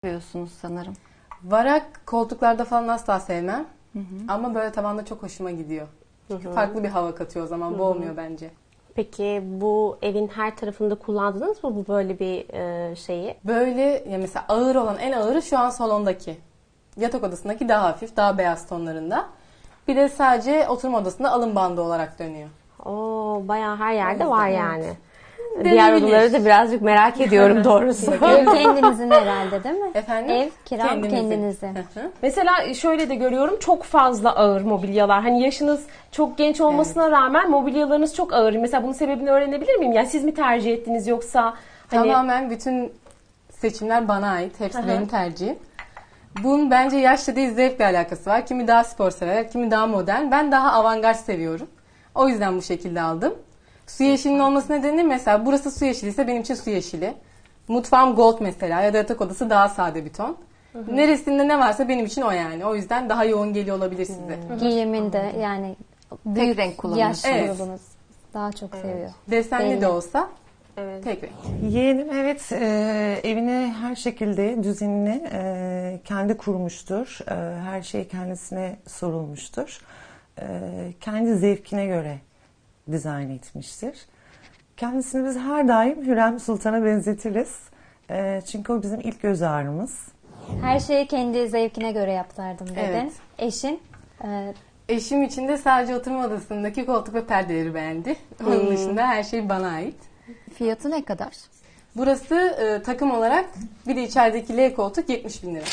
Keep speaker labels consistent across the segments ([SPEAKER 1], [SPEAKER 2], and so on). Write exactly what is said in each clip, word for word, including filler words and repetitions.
[SPEAKER 1] Seviyorsunuz sanırım.
[SPEAKER 2] Varak koltuklarda falan asla sevmem. Hı hı. Ama böyle tavanda çok hoşuma gidiyor. Çünkü hı hı. farklı bir hava katıyor o zaman. Hı hı. Boğmuyor bence.
[SPEAKER 3] Peki bu evin her tarafında kullandınız mı bu böyle bir e, şeyi?
[SPEAKER 2] Böyle ya mesela ağır olan en ağırı şu an salondaki. Yatak odasındaki daha hafif, daha beyaz tonlarında. Bir de sadece oturma odasında alın bandı olarak dönüyor.
[SPEAKER 3] Oo, bayağı her yerde var yani.
[SPEAKER 2] Evet.
[SPEAKER 3] Diğer odaları da birazcık merak ediyorum doğrusu.
[SPEAKER 4] Ev kendinizin herhalde değil mi?
[SPEAKER 2] Efendim?
[SPEAKER 4] Ev kira kendinizin.
[SPEAKER 3] Mesela şöyle de görüyorum, çok fazla ağır mobilyalar. Hani yaşınız çok genç olmasına evet. rağmen mobilyalarınız çok ağır. Mesela bunun sebebini öğrenebilir miyim? Yani siz mi tercih ettiniz yoksa? Hani...
[SPEAKER 2] Tamamen bütün seçimler bana ait. Hepsi Hı-hı. benim tercihim. Bunun bence yaşla değil zevkle alakası var. Kimi daha spor sever, kimi daha modern. Ben daha avantgard seviyorum. O yüzden bu şekilde aldım. Su yeşilinin olması nedeni mesela burası su yeşili ise benim için su yeşili. Mutfağım gold mesela ya da yatak odası daha sade bir ton. Hı hı. Neresinde ne varsa benim için o yani. O yüzden daha yoğun geliyor olabilir size.
[SPEAKER 4] Hı. Giyiminde yani büyük
[SPEAKER 1] renk kullanıyorsunuz.
[SPEAKER 4] Yaş
[SPEAKER 2] evet.
[SPEAKER 4] grubunuz daha çok evet. seviyor.
[SPEAKER 2] Desenli
[SPEAKER 4] Belli.
[SPEAKER 2] de olsa
[SPEAKER 3] evet.
[SPEAKER 2] tek renk.
[SPEAKER 5] Yeğenim evet e, evini her şekilde düzenini e, kendi kurmuştur. E, her şey kendisine sorulmuştur. E, kendi zevkine göre dizayn etmiştir. Kendisini biz her daim Hürrem Sultan'a benzetiriz. E, çünkü o bizim ilk göz ağrımız.
[SPEAKER 4] Her şeyi kendi zevkine göre yaptırdım dedin.
[SPEAKER 2] Evet.
[SPEAKER 4] Eşin? E,
[SPEAKER 2] Eşim için de sadece oturma odasındaki koltuk ve perdeleri beğendi. Onun hmm. dışında her şey bana ait.
[SPEAKER 1] Fiyatı ne kadar?
[SPEAKER 2] Burası e, takım olarak bir de içerideki L koltuk yetmiş bin lira.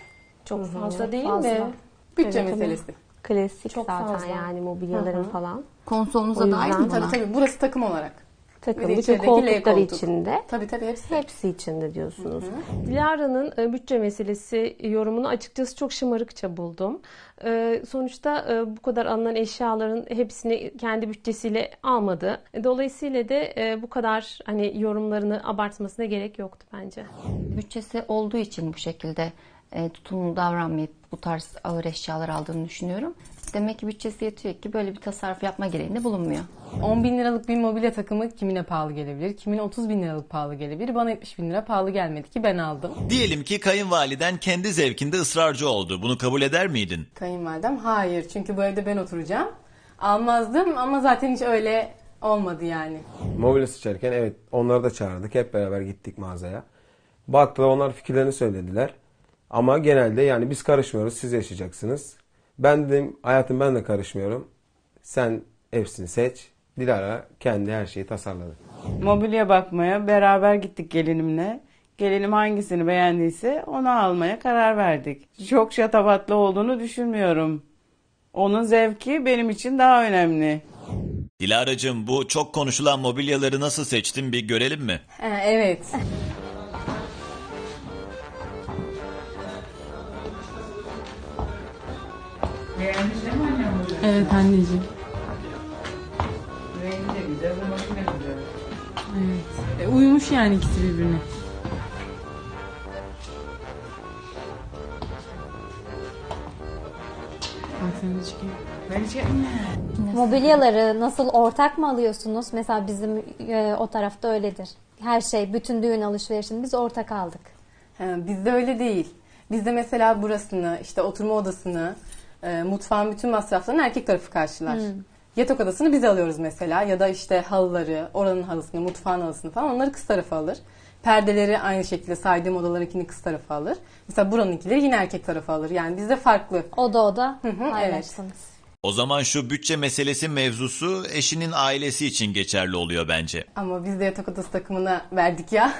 [SPEAKER 3] Çok Hı-hı. fazla değil
[SPEAKER 4] fazla.
[SPEAKER 3] mi?
[SPEAKER 2] Bütçe
[SPEAKER 3] evet,
[SPEAKER 2] meselesi.
[SPEAKER 3] Klasik
[SPEAKER 4] çok
[SPEAKER 3] zaten
[SPEAKER 4] fazla.
[SPEAKER 3] yani mobilyaların
[SPEAKER 2] Hı-hı.
[SPEAKER 3] falan.
[SPEAKER 1] Konsolunuza dahil mi?
[SPEAKER 2] Tabii tabii burası takım olarak.
[SPEAKER 3] Takım, bütün koltukları koltuk. içinde.
[SPEAKER 2] Tabii tabii hepsi.
[SPEAKER 3] Hepsi içinde diyorsunuz. Hı hı. Dilara'nın e, bütçe meselesi yorumunu açıkçası çok şımarıkça buldum. E, sonuçta e, bu kadar alınan eşyaların hepsini kendi bütçesiyle almadı. Dolayısıyla da e, bu kadar hani yorumlarını abartmasına gerek yoktu bence.
[SPEAKER 1] Bütçesi olduğu için bu şekilde e, tutumlu davranmayıp bu tarz ağır eşyalar aldığını düşünüyorum. Demek ki bütçesi yetiyor ki böyle bir tasarruf yapma gereğinde bulunmuyor.
[SPEAKER 2] on bin liralık bir mobilya takımı kimine pahalı gelebilir, kimine otuz bin liralık pahalı gelebilir. Bana yetmiş bin lira pahalı gelmedi ki ben aldım.
[SPEAKER 6] Diyelim ki kayınvaliden kendi zevkinde ısrarcı oldu. Bunu kabul eder miydin?
[SPEAKER 2] Kayınvalidem hayır, çünkü bu evde ben oturacağım. Almazdım ama zaten hiç öyle olmadı yani.
[SPEAKER 7] Mobilya seçerken evet onları da çağırdık. Hep beraber gittik mağazaya. Baktılar, onlar fikirlerini söylediler. Ama genelde yani biz karışmıyoruz, siz yaşayacaksınız. Ben dedim hayatım, ben de karışmıyorum. Sen hepsini seç. Dilara kendi her şeyi tasarladı.
[SPEAKER 8] Mobilya bakmaya beraber gittik gelinimle. Gelinim hangisini beğendiyse onu almaya karar verdik. Çok şatafatlı olduğunu düşünmüyorum. Onun zevki benim için daha önemli.
[SPEAKER 6] Dilara'cığım, bu çok konuşulan mobilyaları nasıl seçtin, bir görelim mi?
[SPEAKER 2] Ha, evet.
[SPEAKER 8] Beğendin değil mi annem bunu?
[SPEAKER 9] Evet anneciğim.
[SPEAKER 8] Rengi de güzel, bu makine güzel.
[SPEAKER 9] Evet. E, uyumuş yani ikisi birbirine. Bak sen de çıkayım.
[SPEAKER 8] Ben içeyim.
[SPEAKER 4] mobilyaları nasıl, ortak mı alıyorsunuz? Mesela bizim e, o tarafta öyledir. Her şey, bütün düğün alışverişini biz ortak aldık.
[SPEAKER 2] Ha, bizde öyle değil. Bizde mesela burasını, işte oturma odasını, e, mutfağın bütün masraflarını erkek tarafı karşılar. Hmm. Yatak odasını biz alıyoruz mesela, ya da işte halıları, oranın halısını, mutfağın halısını falan onları kız tarafı alır. Perdeleri aynı şekilde saydığım odalarınkini kız tarafı alır. Mesela buranınkileri yine erkek tarafı alır. Yani bizde farklı.
[SPEAKER 4] Oda oda
[SPEAKER 2] Hı hı,
[SPEAKER 4] paylaşsınız.
[SPEAKER 2] evet.
[SPEAKER 6] O zaman şu bütçe meselesi mevzusu eşinin ailesi için geçerli oluyor bence.
[SPEAKER 2] Ama biz de yatak odası takımına verdik ya.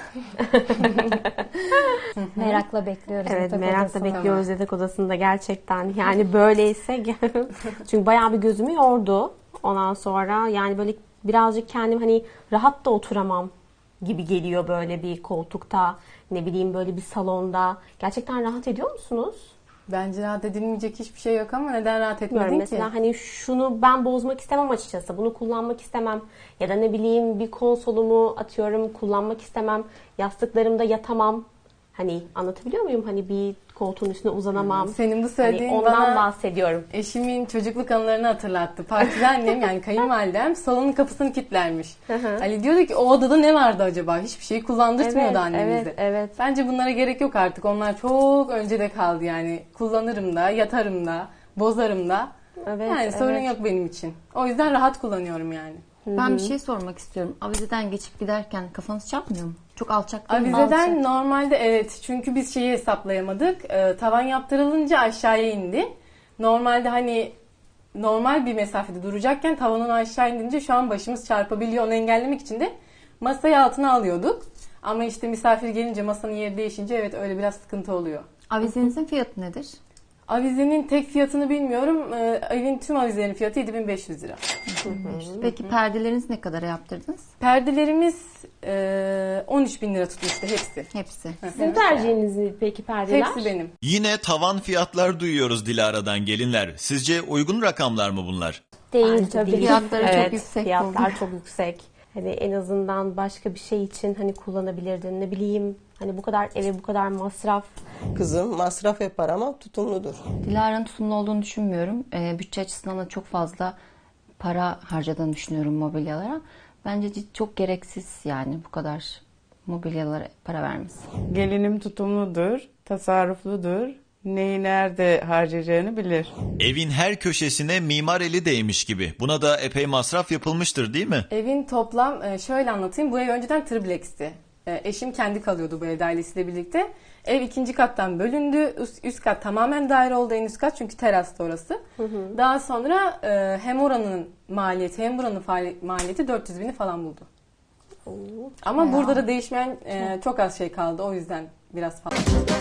[SPEAKER 4] Merakla bekliyoruz.
[SPEAKER 3] Evet,
[SPEAKER 4] yatak
[SPEAKER 3] merakla
[SPEAKER 4] odasını.
[SPEAKER 3] bekliyoruz yatak odasında gerçekten. Yani böyleyse çünkü bayağı bir gözümü yordu. Ondan sonra yani böyle birazcık kendim hani rahat da oturamam gibi geliyor böyle bir koltukta, ne bileyim böyle bir salonda. Gerçekten rahat ediyor musunuz?
[SPEAKER 2] Bence rahat edilmeyecek hiçbir şey yok ama neden rahat etmedin
[SPEAKER 3] Bilmiyorum,
[SPEAKER 2] ki?
[SPEAKER 3] mesela hani şunu ben bozmak istemem açıkçası. Bunu kullanmak istemem. Ya da ne bileyim bir konsolumu atıyorum kullanmak istemem. Yastıklarımda yatamam. Hani anlatabiliyor muyum? Hani bir koltuğun üstüne uzanamam.
[SPEAKER 2] Senin bu
[SPEAKER 3] Hani
[SPEAKER 2] söylediğin
[SPEAKER 3] ondan
[SPEAKER 2] bana
[SPEAKER 3] bahsediyorum.
[SPEAKER 2] eşimin çocukluk anılarını hatırlattı. Partide annem yani kayınvalidem salonun kapısını kilitlermiş. Ali diyordu ki o odada ne vardı acaba? Hiçbir şeyi kullandırtmıyordu
[SPEAKER 3] Evet,
[SPEAKER 2] annemize.
[SPEAKER 3] evet, evet.
[SPEAKER 2] Bence bunlara gerek yok artık. Onlar çok öncede kaldı yani. Kullanırım da, yatarım da, bozarım da.
[SPEAKER 3] Evet,
[SPEAKER 2] Yani sorun
[SPEAKER 3] evet.
[SPEAKER 2] yok benim için. O yüzden rahat kullanıyorum yani.
[SPEAKER 1] Ben bir şey sormak istiyorum. Avizeden geçip giderken kafanız çarpmıyor mu? Çok alçak değil mi?
[SPEAKER 2] Avizeden
[SPEAKER 1] Alçak.
[SPEAKER 2] normalde evet, çünkü biz şeyi hesaplayamadık. Ee, tavan yaptırılınca aşağıya indi. Normalde hani normal bir mesafede duracakken tavanın aşağı indince şu an başımız çarpabiliyor. Onu engellemek için de masayı altına alıyorduk. Ama işte misafir gelince masanın yeri değişince evet öyle biraz sıkıntı oluyor.
[SPEAKER 1] Avizenizin fiyatı nedir?
[SPEAKER 2] Avizenin tek fiyatını bilmiyorum. Ee, evin tüm avizelerin fiyatı yedi bin beş yüz lira.
[SPEAKER 1] Peki perdeleriniz ne kadara yaptırdınız?
[SPEAKER 2] Perdelerimiz e, on üç bin lira tutmuştu hepsi.
[SPEAKER 1] Hepsi.
[SPEAKER 3] Sizin tercihiniz mi peki perdeler?
[SPEAKER 2] Hepsi benim.
[SPEAKER 6] Yine tavan fiyatlar duyuyoruz Dilara'dan gelinler. Sizce uygun rakamlar mı bunlar?
[SPEAKER 4] Değil
[SPEAKER 3] Bence
[SPEAKER 4] tabii.
[SPEAKER 3] değil.
[SPEAKER 1] Fiyatları çok
[SPEAKER 3] Evet,
[SPEAKER 1] yüksek
[SPEAKER 3] Fiyatlar
[SPEAKER 1] oldu.
[SPEAKER 3] çok yüksek. Hani en azından başka bir şey için hani kullanabilirdin. Ne bileyim hani bu kadar eve bu kadar masraf.
[SPEAKER 10] Kızım masraf yapar ama tutumludur.
[SPEAKER 1] Dilara'nın tutumlu olduğunu düşünmüyorum. Ee, bütçe açısından da çok fazla para harcadığını düşünüyorum mobilyalara. Bence cid- çok gereksiz yani bu kadar mobilyalara para vermesi.
[SPEAKER 8] Gelinim tutumludur, tasarrufludur. Neyi nerede harcayacağını bilir.
[SPEAKER 6] Evin her köşesine mimar eli değmiş gibi. Buna da epey masraf yapılmıştır değil mi?
[SPEAKER 2] Evin toplam e, şöyle anlatayım. Bu ev önceden triplex'ti. E, Eşim kendi kalıyordu bu evde ailesiyle birlikte. Ev ikinci kattan bölündü. Üst, üst kat tamamen daire oldu, en üst kat çünkü terasta orası. Daha sonra e, hem oranın maliyeti hem buranın faali- maliyeti dört yüz bini falan buldu. Ama burada da değişmeyen e, çok az şey kaldı. O yüzden biraz fazla.